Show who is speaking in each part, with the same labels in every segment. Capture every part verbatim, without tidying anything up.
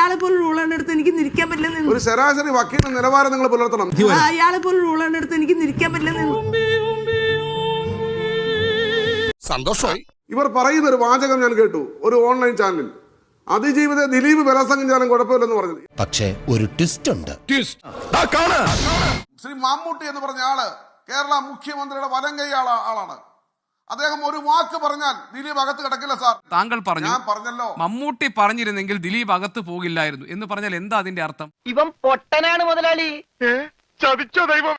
Speaker 1: അയാളെ പോലെ റൂളറിന്റെ അടുത്ത് എനിക്ക് നിൽക്കാൻ പറ്റില്ല.
Speaker 2: ഒരു ശരാശരി വക്കീലിന്റെ നിലവാരം നിങ്ങൾ പുലർത്തണം.
Speaker 1: അയാളെ പോലെ റൂളറിന്റെ അടുത്ത് എനിക്ക് നിൽക്കാൻ പറ്റില്ല.
Speaker 3: സന്തോഷമായി.
Speaker 2: ഇവർ പറയുന്ന ഒരു വാചകം ഞാൻ കേട്ടു ഒരു ഓൺലൈൻ ചാനലിൽ, അതിജീവിത ദിലീപ് ബലാത്സംഗം ചെയ്യാനും കുഴപ്പമില്ലെന്ന് പറഞ്ഞത്.
Speaker 4: പക്ഷേ ഒരു ട്വിസ്റ്റ് ഉണ്ട്.
Speaker 2: ശ്രീ മമ്മൂട്ടി എന്ന് പറഞ്ഞ ആള് കേരള മുഖ്യമന്ത്രിയുടെ വലം കൈ ആളാണ്. അദ്ദേഹം ഒരു വാക്ക് പറഞ്ഞാൽ ദിലീപ് അകത്ത് കിടക്കില്ല സാർ.
Speaker 5: താങ്കൾ പറഞ്ഞു,
Speaker 2: ഞാൻ പറഞ്ഞല്ലോ,
Speaker 5: മമ്മൂട്ടി പറഞ്ഞിരുന്നെങ്കിൽ ദിലീപ് അകത്ത് പോകില്ലായിരുന്നു എന്ന് പറഞ്ഞാൽ എന്താ അതിന്റെ അർത്ഥം?
Speaker 6: ഇവൻ പൊട്ടനാണ് മുതലാളി.
Speaker 3: ചതിച്ചോ ദൈവം.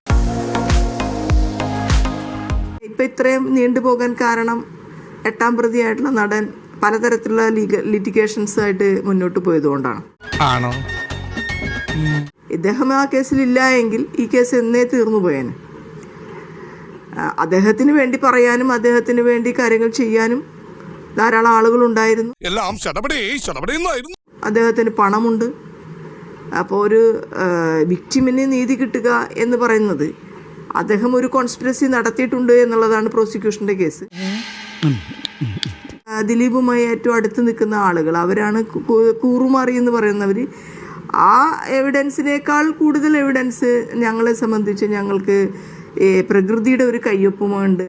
Speaker 1: ഇപ്പൊ ഇത്രയും നീണ്ടുപോകാൻ കാരണം എട്ടാം പ്രതിയായിട്ടുള്ള നടൻ പലതരത്തിലുള്ള ലിറ്റിഗേഷൻസ് ആയിട്ട് മുന്നോട്ട് പോയതുകൊണ്ടാണ്.
Speaker 4: ആണോ?
Speaker 1: ഇദ്ദേഹം ആ കേസിലില്ല എങ്കിൽ ഈ കേസ് എന്നേ തീർന്നു പോയേനെ. അദ്ദേഹത്തിന് വേണ്ടി പറയാനും അദ്ദേഹത്തിന് വേണ്ടി കാര്യങ്ങൾ ചെയ്യാനും ധാരാളം ആളുകൾ ഉണ്ടായിരുന്നു.
Speaker 3: എല്ലാം
Speaker 1: അദ്ദേഹത്തിന് പണമുണ്ട്. അപ്പോൾ ഒരു വിക്ടിമിന് നീതി കിട്ടുക എന്ന് പറയുന്നത് അദ്ദേഹം ഒരു കോൺസ്പിറസി നടത്തിയിട്ടുണ്ട് എന്നുള്ളതാണ് പ്രോസിക്യൂഷന്റെ കേസ്. ദിലീപുമായി ഏറ്റവും അടുത്ത് നിൽക്കുന്ന ആളുകൾ അവരാണ് കൂറുമാറി എന്ന് പറയുന്നവർ. ആ എവിഡൻസിനേക്കാൾ കൂടുതൽ എവിഡൻസ് ഞങ്ങളെ സംബന്ധിച്ച് ഞങ്ങൾക്ക് പ്രകൃതിയുടെ ഒരു കയ്യൊപ്പമുണ്ട്.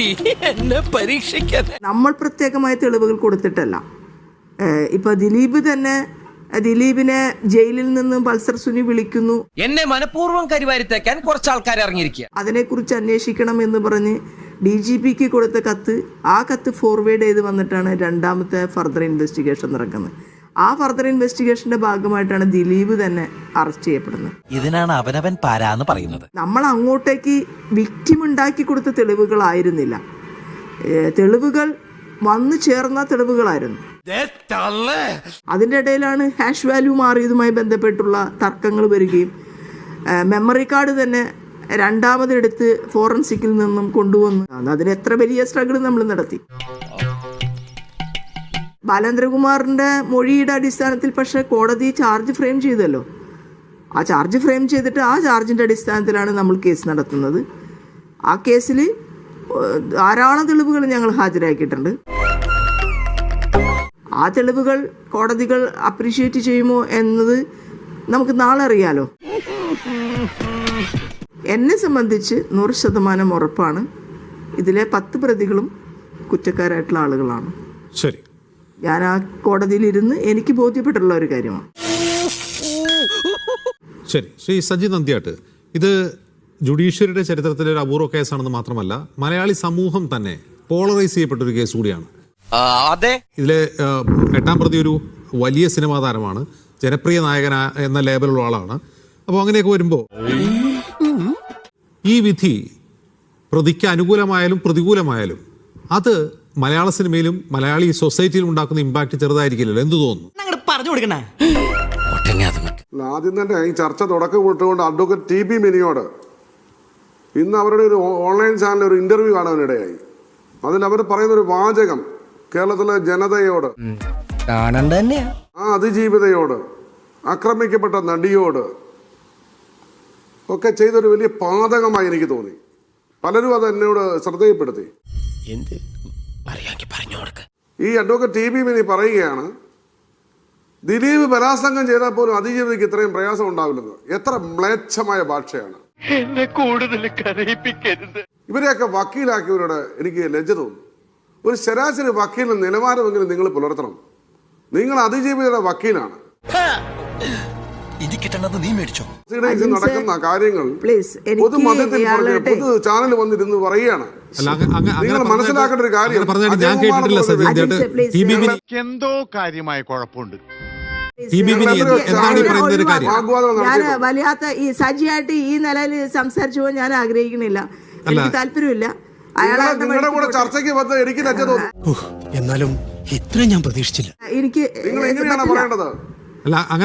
Speaker 1: നമ്മൾ പ്രത്യേകമായ തെളിവുകൾ കൊടുത്തിട്ടല്ല. ഇപ്പൊ ദിലീപ് തന്നെ ദിലീപിനെ ജയിലിൽ നിന്നും പൾസർ സുനി വിളിക്കുന്നു,
Speaker 6: എന്നെ മനഃപൂർവ്വം കരിവാരിത്തേക്കാൻ കുറച്ച് ആൾക്കാർ ഇറങ്ങിയിരിക്കുക,
Speaker 1: അതിനെക്കുറിച്ച് അന്വേഷിക്കണം എന്ന് പറഞ്ഞ് ഡി ജി പിക്ക് കൊടുത്ത കത്ത്, ആ കത്ത് ഫോർവേഡ് ചെയ്ത് വന്നിട്ടാണ് രണ്ടാമത്തെ ഫർദർ ഇൻവെസ്റ്റിഗേഷൻ നടക്കുന്നത്. ആ ഫർദർ ഇൻവെസ്റ്റിഗേഷന്റെ ഭാഗമായിട്ടാണ് ദിലീപ് തന്നെ അറസ്റ്റ് ചെയ്യപ്പെടുന്നത്.
Speaker 4: ഇതിനാണ് അവനവൻ പാരാന്ന് പറയുന്നത്.
Speaker 1: നമ്മൾ അങ്ങോട്ടേക്ക് വിക്ടിം ഉണ്ടാക്കി കൊടുത്ത തെളിവുകളായിരുന്നില്ല, തെളിവുകൾ വന്നു ചേർന്ന തെളിവുകളായിരുന്നു. അതിൻ്റെ ഇടയിലാണ് ഹാഷ് വാല്യൂ മാറിയതുമായി ബന്ധപ്പെട്ടുള്ള തർക്കങ്ങൾ വരികയും മെമ്മറി കാർഡ് തന്നെ രണ്ടാമതെടുത്ത് ഫോറൻസിക്കിൽ നിന്നും കൊണ്ടുവന്നു. അതിന് എത്ര വലിയ സ്ട്രഗിൾ നമ്മൾ നടത്തി. ബാലേന്ദ്രകുമാറിന്റെ മൊഴിയുടെ അടിസ്ഥാനത്തിൽ പക്ഷേ കോടതി ചാർജ് ഫ്രെയിം ചെയ്തല്ലോ. ആ ചാർജ് ഫ്രെയിം ചെയ്തിട്ട് ആ ചാർജിന്റെ അടിസ്ഥാനത്തിലാണ് നമ്മൾ കേസ് നടത്തുന്നത്. ആ കേസിൽ ധാരാളം തെളിവുകൾ ഞങ്ങൾ ഹാജരാക്കിയിട്ടുണ്ട്. ആ തെളിവുകൾ കോടതികൾ അപ്രീഷിയേറ്റ് ചെയ്യുമോ എന്നത് നമുക്ക് നാളെ അറിയാലോ. എന്നെ സംബന്ധിച്ച് നൂറ് ശതമാനം ഉറപ്പാണ് ഇതിലെ പത്ത് പ്രതികളും കുറ്റക്കാരായിട്ടുള്ള ആളുകളാണ്.
Speaker 7: ശരി,
Speaker 1: ഞാൻ ആ കോടതിയിലിരുന്ന് എനിക്ക് ബോധ്യപ്പെട്ടുള്ള ഒരു കാര്യമാണ്.
Speaker 7: ശരി. ശ്രീ സജി നന്ദ്യാട്ട്, ഇത് ജുഡീഷ്യറിയുടെ ചരിത്രത്തിലെ ഒരു അപൂർവ കേസാണെന്ന് മാത്രമല്ല മലയാളി സമൂഹം തന്നെ പോളറൈസ് ചെയ്യപ്പെട്ട ഒരു കേസ് കൂടിയാണ്.
Speaker 6: അതെ,
Speaker 7: ഇതിലെ എട്ടാം പ്രതി ഒരു വലിയ സിനിമാ താരമാണ്, ജനപ്രിയ നായകൻ എന്ന ലേബലുള്ള ആളാണ്. അപ്പോൾ അങ്ങനെയൊക്കെ വരുമ്പോൾ ഈ വിധി പ്രതിക്ക് അനുകൂലമായാലും പ്രതികൂലമായാലും അത് മലയാള സിനിമയിലും മലയാളി സൊസൈറ്റിയിലും ഉണ്ടാക്കുന്ന ഇമ്പാക്ട് ചെറുതായിരിക്കില്ലല്ലോ. എന്ത് തോന്നുന്നു?
Speaker 6: പറഞ്ഞു കൊടുക്കണേ.
Speaker 2: ആദ്യം തന്നെ ഈ ചർച്ച തുടക്കം വിട്ടുകൊണ്ട് അഡ്വക്കേറ്റ് ടി ബി മിനിയോട് ഇന്ന് അവരുടെ ഒരു ഓൺലൈൻ ചാനലിൽ ഒരു ഇന്റർവ്യൂ കാണാനിടയായി. അതിൽ അവർ പറയുന്നൊരു വാചകം കേരളത്തിലെ ജനതയോട്, ആ അതിജീവിതയോട്, ആക്രമിക്കപ്പെട്ട നടിയോട് ഒക്കെ ചെയ്തൊരു വലിയ പാതകമായി എനിക്ക് തോന്നി. പലരും അത് എന്നോട് ശ്രദ്ധയിൽപ്പെടുത്തി. ഈ അഡ്വക്കേറ്റ് ടി ബി മിനി പറയുകയാണ്, ദിലീപ് ബലാത്സംഗം ചെയ്താൽ പോലും അതിജീവിതയ്ക്ക് ഇത്രയും പ്രയാസം ഉണ്ടാവില്ലെന്ന്. എത്ര മ്ലേച്ഛമായ ഭാഷയാണ്!
Speaker 3: എന്നെ കൂടുതൽ കരയിപ്പിക്കരുത്.
Speaker 2: ഇവരെയൊക്കെ വക്കീലാക്കിയവരോട് എനിക്ക് ലജ്ജ തോന്നുന്നു. ഒരു ശരാശരി വക്കീലിന് നിലവാരമെങ്കിലും നിങ്ങൾ പുലർത്തണം. നിങ്ങൾ അതിജീവിതയുടെ വക്കീലാണ്. നടക്കുന്ന കാര്യങ്ങൾ പൊതുമധ്യത്തിൽ പൊതു ചാനൽ വന്നിരുന്ന് പറയുകയാണ്. നിങ്ങൾ മനസ്സിലാക്കേണ്ട ഒരു കാര്യം,
Speaker 3: എന്തോ കാര്യമായ കുഴപ്പമുണ്ട്.
Speaker 1: ഞാൻ വല്ലാത്ത ഈ സജിയായിട്ട് ഈ നിലയിൽ സംസാരിച്ചു പോകാൻ ഞാൻ ആഗ്രഹിക്കണില്ല. എനിക്ക് താല്പര്യമില്ല.
Speaker 2: നിങ്ങളുടെ കൂടെ ചർച്ചയ്ക്ക് വന്ന് എനിക്ക് ലജ്ജ തോന്നുന്നു.
Speaker 4: എന്നാലും ഇത്രയും ഞാൻ പ്രതീക്ഷിച്ചില്ല.
Speaker 1: എനിക്ക്
Speaker 2: നിങ്ങൾ എങ്ങനെയാണ് പറയേണ്ടത്?
Speaker 7: അല്ല, അങ്ങനെ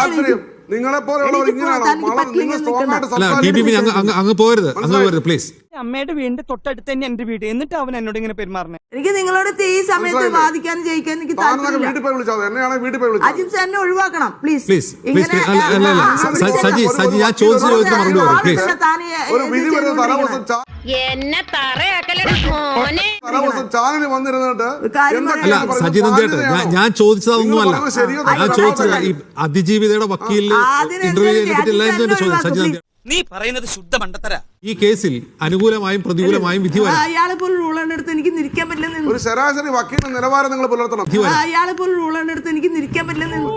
Speaker 2: നിങ്ങളെ പോലെയുള്ളവർ ഇങ്ങനെയാണോ?
Speaker 7: അങ്ങ് പോരുത്, അങ്ങ് പോരുത് പ്ലീസ്.
Speaker 8: അമ്മയുടെ വീടിന്റെ തൊട്ടടുത്ത് തന്നെ എന്റെ വീട്, എന്നിട്ട് അവൻ എന്നോട് ഇങ്ങനെ പെരുമാറണേ.
Speaker 1: എനിക്ക് നിങ്ങളോട് ഈ സമയത്ത് വാദിക്കാൻ ജയിക്കാൻ എനിക്ക്
Speaker 2: താങ്കളൊക്കെ വീട്ടിൽ പോയി വിളിച്ചാൽ എന്നെയാണെങ്കിൽ വീട്ടിൽ പോയി വിളിച്ചാൽ
Speaker 1: അജിത് സാറിനെ ഒഴിവാക്കണം പ്ലീസ്.
Speaker 7: പ്ലീസ് പ്ലീസ് അല്ല അല്ല അല്ല സ- സജി സജി ഞാൻ ചോദിച്ച ചോദ്യത്തിന് മറുപടി പറയും പ്ലീസ്.
Speaker 2: ഒരു വിധി വരുന്ന തലവസം ചാ-
Speaker 9: എന്നെ തറയാക്കലടാ മോനെ.
Speaker 2: തലവസം ചാനലിൽ വന്നിരുന്നിട്ട് എന്തൊക്കെയാണ്
Speaker 7: അല്ല
Speaker 2: പറയുന്നത്?
Speaker 7: സജി നന്ദിയായിട്ട് ഞാൻ ഞാൻ ചോദിച്ചതൊന്നുമല്ല.
Speaker 2: നിങ്ങൾ പറഞ്ഞത് ശരിയോ
Speaker 7: ഞാൻ
Speaker 2: തെറ്റോ?
Speaker 7: ചോദിച്ചത് ഈ അതിജീവിതയുടെ വക്കീലിന് ഇന്റർവ്യൂ ചെയ്തിട്ട് എല്ലാവരും തന്നെ ചോദ്യം സജി നന്ദി
Speaker 8: നീ പറയുന്നത് ശുദ്ധ മണ്ടത്തരാ.
Speaker 7: ഈ കേസിൽ അനുകൂലമായും പ്രതികൂലമായും വിധി വരാം.
Speaker 1: അയാളെ പോലും റൂൾ എടുത്ത് എനിക്ക് നിൽക്കാൻ പറ്റില്ലെന്ന്
Speaker 2: ഒരു ശരാശരി വക്കീലിന്റെ നിലവാരം നിങ്ങൾ പുലർത്തണം.
Speaker 7: വിധി വരാം.
Speaker 1: അയാളെ പോലും റൂൾ എടുത്ത് എനിക്ക് നിൽക്കാൻ പറ്റില്ലെന്ന്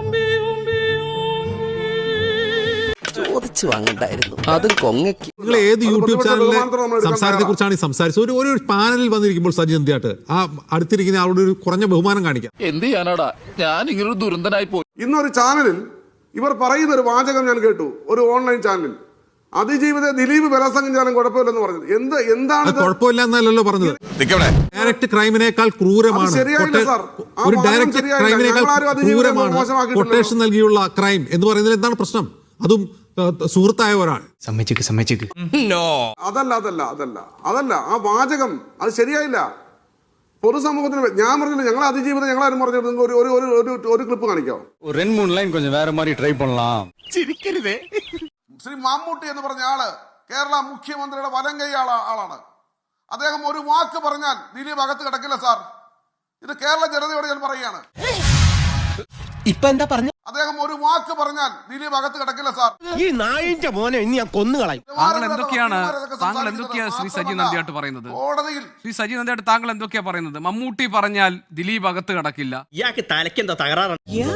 Speaker 6: ചോദിച്ചു വാങ്ങണ്ടായിരുന്നു അതും കൊങ്ങയ്ക്ക്.
Speaker 7: നിങ്ങൾ ഏത് യൂട്യൂബ്
Speaker 2: പ്രതിപക്ഷ
Speaker 7: ചാനലിലെ
Speaker 2: ബഹുമാനത്തോടെ നമ്മൾ എടുക്കാൻ
Speaker 7: സംസാരത്തെ കുറിച്ചാണ് ഈ സംസാരിച്ചത്? ഒരു ഒരു പാനലിൽ വന്നിരിക്കുമ്പോൾ സജി നന്ദിയായിട്ട് ആ അടുത്തിരിക്കുന്ന ആളോട് ഒരു കുറഞ്ഞ ബഹുമാനം കാണിക്കാം.
Speaker 3: എന്ത് ചെയ്യാനാടാ ഞാൻ ഇങ്ങനൊരു ദുരന്തനായി പോയി.
Speaker 2: ഇന്നൊരു ചാനലിൽ ഇവർ പറയുന്ന ഒരു വാചകം ഞാൻ കേട്ടു. ഒരു ഓൺലൈൻ ചാനലിൽ അതിജീവിത ദിലീപ് ബലാത്സംഗം ചെയ്യാനും കുഴപ്പമില്ലെന്ന് പറഞ്ഞത് എന്ത് എന്താണ്
Speaker 7: അത് കുഴപ്പമില്ല എന്നല്ലല്ലോ പറഞ്ഞത്. ഡയറക്റ്റ് ക്രൈമിനേക്കാൾ ക്രൂരമാണ്
Speaker 2: അത് ശരിയായില്ല
Speaker 7: കൊട്ടേ-
Speaker 2: സാർ. ആ
Speaker 7: ഒരു
Speaker 2: വാദം
Speaker 7: ഡയറക്റ്റ്
Speaker 2: ശരിയായില്ല.
Speaker 7: ക്രൈമിനേക്കാൾ
Speaker 2: ഞങ്ങളാരും അതിജീവിതയെ
Speaker 7: ക്രൂരമാണ്
Speaker 2: മോശമാക്കിയിട്ടില്ലല്ലോ.
Speaker 7: കൊട്ടേഷൻ നൽകിയുള്ള ക്രൈം എന്ന് പറയുന്നതിൽ എന്താണ് പ്രശ്നം? അതും ഏഹ്, സുഹൃത്തായ ഒരാൾ.
Speaker 4: സമ്മതിച്ചേക്ക് സമ്മതിച്ചേക്ക്.
Speaker 2: അതല്ല അതല്ല അതല്ല അതല്ല ആ വാചകം അത് ശരിയായില്ല. പൊതുസമൂഹത്തിന് വേ- ഞാൻ പറഞ്ഞില്ല ഞങ്ങൾ അതിജീവിതം ഞങ്ങളാരും പറഞ്ഞിട്ട് നിങ്ങൾക്ക് ഒരു ഒരു ഒരു ഒരു ഒരു ക്ലിപ്പ് കാണിക്കാം.
Speaker 3: ഒരു രണ്ട് മൂന്ന് ലൈൻ കൊഞ്ചം വേറെ മാറി ട്രൈ പണലാം.
Speaker 5: ചിരിക്കരുതേ.
Speaker 2: ശ്രീ മമ്മൂട്ടി എന്ന് പറഞ്ഞ ആള് കേരള മുഖ്യമന്ത്രിയുടെ വലം കൈ ആളാ ആളാണ്. അദ്ദേഹം ഒരു വാക്ക് പറഞ്ഞാൽ ദിലീപ് അകത്ത് കിടക്കില്ല സാർ. ഇത് കേരള ജനതയോട് ഞാൻ പറയുകയാണ്.
Speaker 4: ഇപ്പൊ എന്താ പറഞ്ഞു?
Speaker 2: അദ്ദേഹം ഒരു വാക്ക് പറഞ്ഞാൽ ദിലീപ് അകത്ത് കിടക്കില്ല സാർ.
Speaker 4: ഈ നായിന്റെ മോനെ ഇനി ഞാൻ കൊന്നുകളയും.
Speaker 5: താങ്കൾ എന്തൊക്കെയാണ് താങ്കൾ എന്തൊക്കെയാണ് ശ്രീ സജി നന്ദിയായിട്ട് പറയുന്നത്?
Speaker 2: കോടതിയിൽ
Speaker 5: ശ്രീ സജി നന്ദിയായിട്ട് താങ്കൾ എന്തൊക്കെയാ പറയുന്നത്? മമ്മൂട്ടി പറഞ്ഞാൽ ദിലീപ് അകത്ത് കിടക്കില്ല.
Speaker 8: ഇയാൾക്ക് തലയ്ക്ക് എന്താ തകരാറാണ്?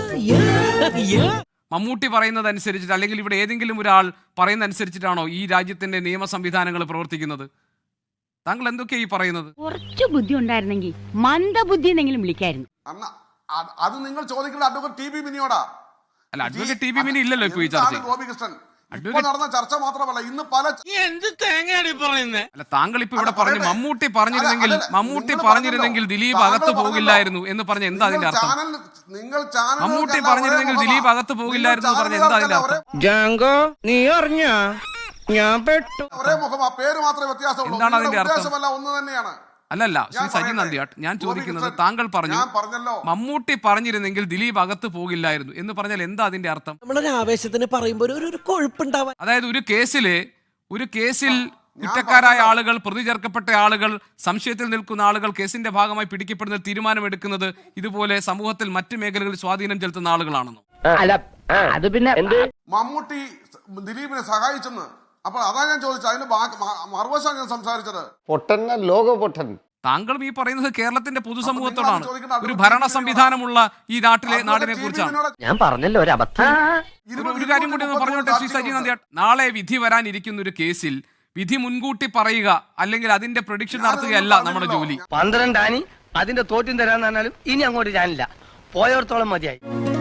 Speaker 5: മമ്മൂട്ടി പറയുന്നത് അനുസരിച്ചിട്ട് അല്ലെങ്കിൽ ഇവിടെ ഏതെങ്കിലും ഒരാൾ പറയുന്ന അനുസരിച്ചിട്ടാണോ ഈ രാജ്യത്തിന്റെ നിയമ സംവിധാനങ്ങൾ പ്രവർത്തിക്കുന്നത്? താങ്കൾ എന്തൊക്കെയാ ഈ പറയുന്നത്?
Speaker 9: കുറച്ചു ബുദ്ധി ഉണ്ടായിരുന്നെങ്കിൽ മന്ദബുദ്ധി എന്നെങ്കിലും വിളിക്കായിരുന്നു.
Speaker 2: അന്ന അത് അത് നിങ്ങൾ ചോദിക്കേണ്ട അഡ്വക്കേറ്റ് ടി ബി മിനിയോടാ.
Speaker 5: അല്ല അഡ്വക്കേറ്റ് ടി ബി മിനി ഇല്ലല്ലോ ഇപ്പൊ ഈ ചർച്ച.
Speaker 2: ഗോപികൃഷ്ണൻ ഇപ്പൊ നടന്ന ചർച്ച മാത്രമല്ല ഇന്ന് പല
Speaker 8: എന്ത് തേങ്ങയാണ് പറയുന്നത്?
Speaker 5: അല്ല താങ്കൾ ഇപ്പൊ ഇവിടെ
Speaker 2: അല്ല,
Speaker 5: പറഞ്ഞു
Speaker 2: പറയട്ടെ.
Speaker 5: മമ്മൂട്ടി പറഞ്ഞിരുന്നെങ്കിൽ
Speaker 2: അല്ല, അല്ല,
Speaker 5: മമ്മൂട്ടി
Speaker 2: നിങ്ങൾ
Speaker 5: പറഞ്ഞിരുന്നെങ്കിൽ
Speaker 2: പറഞ്ഞല്ലോ.
Speaker 5: ദിലീപ്
Speaker 2: താങ്കൾ
Speaker 5: അകത്ത്
Speaker 2: പറഞ്ഞല്ലോ.
Speaker 5: പോകില്ലായിരുന്നു എന്ന് പറഞ്ഞ എന്താ അതിന്റെ അർത്ഥം?
Speaker 2: ചാനൽ നിങ്ങൾ ചാനൽ
Speaker 5: മമ്മൂട്ടി പറഞ്ഞിരുന്നെങ്കിൽ ദിലീപ് അകത്ത് പോകില്ലായിരുന്നു എന്ന് പറഞ്ഞ എന്താ അതിന്റെ അർത്ഥം?
Speaker 8: ജാങ്കോ നീ അറിഞ്ഞ ഞാൻ പെട്ടു.
Speaker 2: ഒരേ മുഖം ആ പേര് മാത്രമേ വ്യത്യാസമുള്ളൂ.
Speaker 5: എന്താണ് അതിന്റെ
Speaker 2: നിങ്ങളുടെ
Speaker 5: അർത്ഥം?
Speaker 2: ഉദ്ദേശമല്ല ഒന്ന് തന്നെയാണ്.
Speaker 5: അല്ലല്ല ശ്രീ
Speaker 2: ഞാൻ
Speaker 5: സജി
Speaker 2: പറയട്ടെ.
Speaker 5: നന്ദിയാട്ട് ഞാൻ ചോദിക്കുന്നത്
Speaker 2: ഗോപികൃഷ്ണൻ,
Speaker 5: താങ്കൾ പറഞ്ഞു
Speaker 2: ഞാൻ പറഞ്ഞല്ലോ.
Speaker 5: മമ്മൂട്ടി പറഞ്ഞിരുന്നെങ്കിൽ ദിലീപ് അകത്ത് പോകില്ലായിരുന്നു എന്ന് പറഞ്ഞാൽ എന്താ അതിന്റെ അർത്ഥം?
Speaker 8: നമ്മളൊരു ആവേശത്തിന് പറയുമ്പോ ഒരു ഒരു കൊഴുപ്പുണ്ടാവാൻ.
Speaker 5: അതായത് ഒരു കേസില് ഒരു കേസിൽ കുറ്റക്കാരായ ആളുകൾ പ്രതി ചേർക്കപ്പെട്ട ആളുകൾ സംശയത്തിൽ നിൽക്കുന്ന ആളുകൾ കേസിന്റെ ഭാഗമായി പിടിക്കപ്പെടുന്ന തീരുമാനമെടുക്കുന്നത് ഇതുപോലെ സമൂഹത്തിൽ മറ്റു മേഖലകളിൽ സ്വാധീനം ചെലുത്തുന്ന ആളുകളാണെന്നോ?
Speaker 6: അല്ല അത് പിന്നെ
Speaker 2: മമ്മൂട്ടി ദിലീപിനെ സഹായിച്ചെന്ന് അപ്പോൾ അതാ ഞാൻ ചോദിച്ചത്. അതിന് മറുവശം ഞാൻ സംസാരിച്ചത്.
Speaker 3: പൊട്ടൻ ലോക പൊട്ടൻ.
Speaker 5: താങ്കളും ഈ പറയുന്നത് കേരളത്തിന്റെ പൊതുസമൂഹത്തോടാണ്,
Speaker 2: അപ്പോൾ നിങ്ങൾ
Speaker 5: ഒരു
Speaker 2: അത്
Speaker 5: ഭരണ സംവിധാനമുള്ള ഈ നാട്ടിലെ നാടിനെ
Speaker 2: ടി
Speaker 5: കുറിച്ചാണ്.
Speaker 2: ബിനോട്
Speaker 6: ഞാൻ പറഞ്ഞല്ലോ ഒരു അബദ്ധം.
Speaker 5: ഒരു- ഒരു കാര്യം കൂടി ഒന്ന് പറഞ്ഞോട്ടെ ശ്രീ സജി നന്ദിയാട്ട്, നാളെ വിധി വരാനിരിക്കുന്ന ഒരു കേസിൽ വിധി മുൻകൂട്ടി പറയുക അല്ലെങ്കിൽ അതിന്റെ പ്രൊഡിക്ഷൻ നടത്തുകയല്ല നമ്മുടെ ജോലി.
Speaker 6: പന്ത്രണ്ടാനി അതിന്റെ തോറ്റും തരാന്ന് പറഞ്ഞാലും ഇനി അങ്ങോട്ട് ഞാനില്ല. പോയോർത്തോളം മതിയായി.